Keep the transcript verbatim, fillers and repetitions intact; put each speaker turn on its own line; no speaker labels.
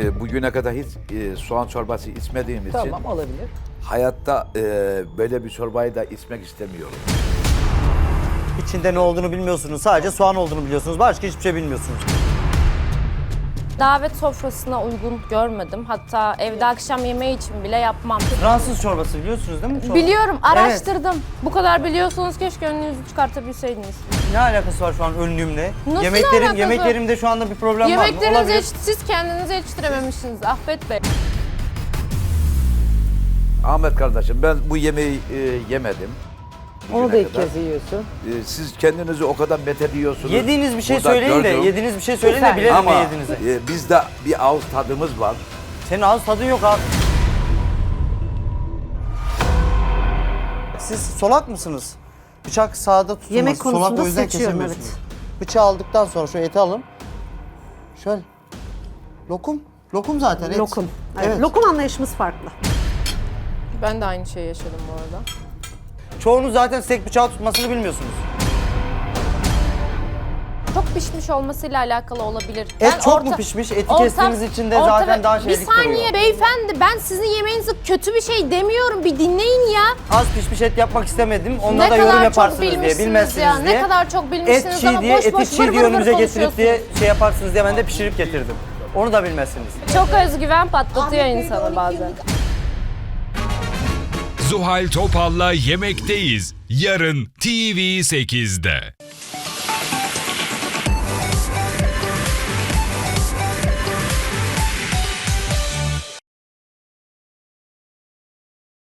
e, bugüne kadar hiç e, soğan çorbası içmediğim için
Tamam, olabilir.
hayatta e, böyle bir çorbayı da içmek istemiyorum.
İçinde ne olduğunu bilmiyorsunuz. Sadece soğan olduğunu biliyorsunuz. Başka hiçbir şey bilmiyorsunuz.
Davet sofrasına uygun görmedim. Hatta evde akşam yemeği için bile yapmam.
Fransız çorbası biliyorsunuz değil mi? Çorba.
Biliyorum, araştırdım. Bu kadar biliyorsunuz, keşke önünüzü çıkartabilseydiniz.
Ne alakası var şu an önlüğümle?
Nasıl
Yemeklerim,
alakası?
Yemeklerimde şu anda bir problem var mı?
Yemeklerinizi
Olabilir.
yetiş- siz kendinize yetiştirememişsiniz Ahmet Bey.
Ahmet kardeşim, ben bu yemeği e, yemedim.
Onu da
bugüne
ilk
kadar.
kez yiyorsun.
E, siz kendinizi o kadar methediyorsunuz.
Yediğiniz bir şey
Burada
söyleyin de,
gördüm.
yediğiniz bir şey söyleyin de
Lütfen.
bilelim
Ama
ne yediğinizi.
e, bizde bir ağız tadımız var.
Senin ağız tadın yok abi. Siz solak mısınız? Bıçak sağda tutulmaz.
Yemek
Solak
konusunda
o yüzden
seçiyorum,
kesemiyorsunuz. Bıçağı aldıktan sonra şu eti alın. Şöyle. Lokum. Lokum zaten et.
Lokum. Evet.
Evet.
Lokum anlayışımız farklı.
Ben de aynı şeyi yaşadım bu arada.
Çoğunuz zaten steak bıçağı tutmasını bilmiyorsunuz.
Çok pişmiş olmasıyla alakalı olabilir.
Et çok mu pişmiş? Eti kestiğiniz için de zaten daha şeylik
Bir saniye
duruyor.
beyefendi, ben sizin yemeğinizi kötü bir şey demiyorum. Bir dinleyin ya.
Az pişmiş et yapmak istemedim. Onunla
Ne
da yorum
kadar çok
yaparsınız diye,
bilmişsiniz
bilmezsiniz
ya.
diye.
Ne kadar çok bilmişsiniz
et çiğ
ama
diye,
boş
eti
boş
çiğ
vır
diye
vır
önümüze
vır
getirip diye
konuşuyorsunuz.
şey yaparsınız diye ben de pişirip getirdim. Onu da bilmezsiniz.
Çok özgüven patlatıyor insanı bazen.
Zuhal Topal'la Yemekteyiz. Yarın T V sekizde.